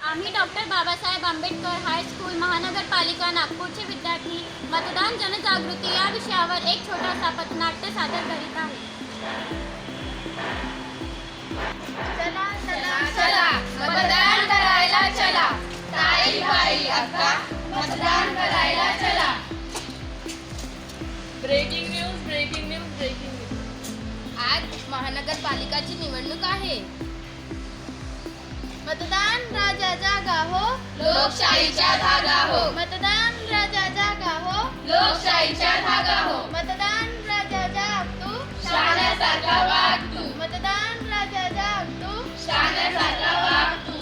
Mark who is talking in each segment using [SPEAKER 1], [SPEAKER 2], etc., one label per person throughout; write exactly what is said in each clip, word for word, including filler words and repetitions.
[SPEAKER 1] आम्ही doctor Babasaheb Ambedkar high school महानगरपालिका नागपूरचे विद्यार्थी मतदान जनजागृती या विषयावर एक छोटासा पथनाट्य सादर करीत आहे.
[SPEAKER 2] चला चला
[SPEAKER 3] चला मतदान करायला चला, ताई बाई अक्का मतदान करायला चला.
[SPEAKER 4] Breaking news breaking news breaking news.
[SPEAKER 3] आज महानगरपालिकाची निवडणूक आहे.
[SPEAKER 2] मतदान राजा जागा हो,
[SPEAKER 3] लोकशाहीच्या धागा हो,
[SPEAKER 2] मतदान राजा जागा हो,
[SPEAKER 3] लोकशाहीच्या धागा हो.
[SPEAKER 2] मतदान राजा जाग तू,
[SPEAKER 3] शाण्यासारखा वाग तू,
[SPEAKER 2] मतदान राजा जाग तू.
[SPEAKER 3] शाण्यासारखा वाग तू.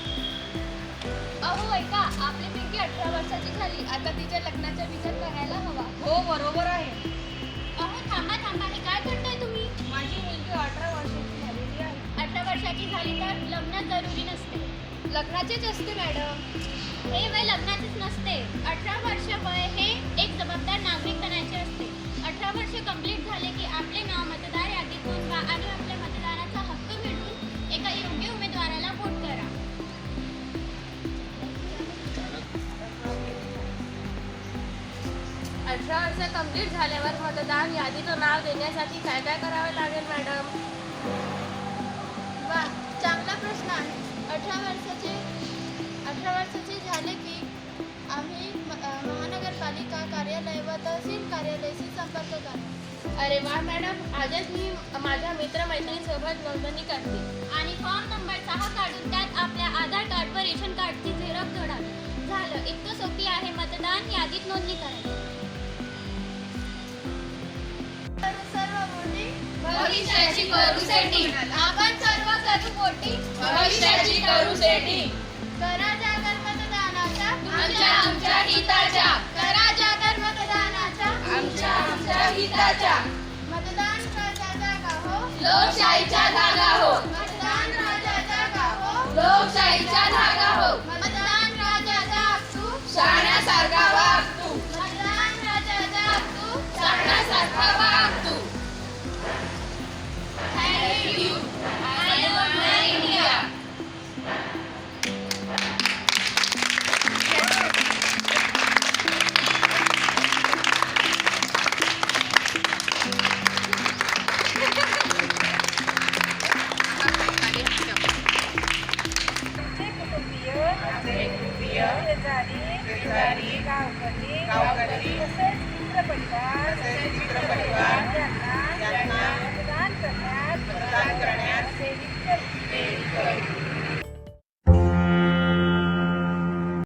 [SPEAKER 1] अहो ऐका, आपली पिंकी अठरा वर्षाची झाली, आता तिच्या लग्नाचा विचार करायला हवा.
[SPEAKER 4] हो बरोबर आहे.
[SPEAKER 1] अहो थांबा थांबा, हे काय करताय तुम्ही?
[SPEAKER 4] माझी मुलगी अठरा वर्षाची झालेली आहे.
[SPEAKER 1] अठरा वर्षाची झाली तर लग्न जरुरी नसते.
[SPEAKER 3] लग्नाचीच असते मॅडम.
[SPEAKER 1] हे वय लग्नाचेच नसते. अठरा वर्ष वय हे एक जबाबदार नागरिक बनायचे असते. अठरा वर्ष कंप्लीट झाले की आपले नाव मतदार यादीत नोंदवा आणि आपल्या मतदानाचा हक्क मिळवून एका योग्य उमेदवाराला वोट करा.
[SPEAKER 4] अठरा वर्ष कंप्लीट झाल्यावर मतदान यादीचं नाव देण्यासाठी काय काय करावे लागेल मॅडम?
[SPEAKER 2] वा, चांगला प्रश्न आहे. अठरा वर्षाचे अठरा वर्षाचे झाले की आम्ही म- अ, महानगरपालिका कार्यालय व तहसील कार्यालयाशी संपर्क करा.
[SPEAKER 4] अरे वा मॅडम, आजच मी माझ्या मित्रमैत्रिणीसोबत नोंदणी करते.
[SPEAKER 1] आणि फॉर्म नंबर सहा काढून त्यात आपल्या आधार कार्ड व रेशन कार्डची झेरॉक्स जोडावी. झालं, इतकं सोपी आहे मतदान यादीत नोंदणी करायची.
[SPEAKER 2] तर सर्व मोठी
[SPEAKER 3] भविष्याची करू सेटिंग,
[SPEAKER 2] आपण सर्व करू मोठी.
[SPEAKER 3] भविष्याची करू सेटिंग.
[SPEAKER 2] करा जागर मतदानाचा,
[SPEAKER 3] आमच्या आमच्या हिताच्या,
[SPEAKER 2] करा जागर मतदानाचा.
[SPEAKER 3] आमच्या आमच्या हिताच्या.
[SPEAKER 2] मतदान राजा जागा हो,
[SPEAKER 3] लोकशाहीच्या धागा हो,
[SPEAKER 2] मतदान राजा जागा हो,
[SPEAKER 3] लोकशाहीच्या धागा हो.
[SPEAKER 2] मतदान राजा जाग तू,
[SPEAKER 3] शाण्यासारखा वाग तू,
[SPEAKER 2] मतदान राजा जाग तू.
[SPEAKER 3] शाण्यासारखा वाग तू. Thank you. I love my India.
[SPEAKER 5] गावकरी तसेच मित्रपरिवार यांना मतदान करण्यात
[SPEAKER 6] मतदान करण्यास
[SPEAKER 5] प्रेरित करते.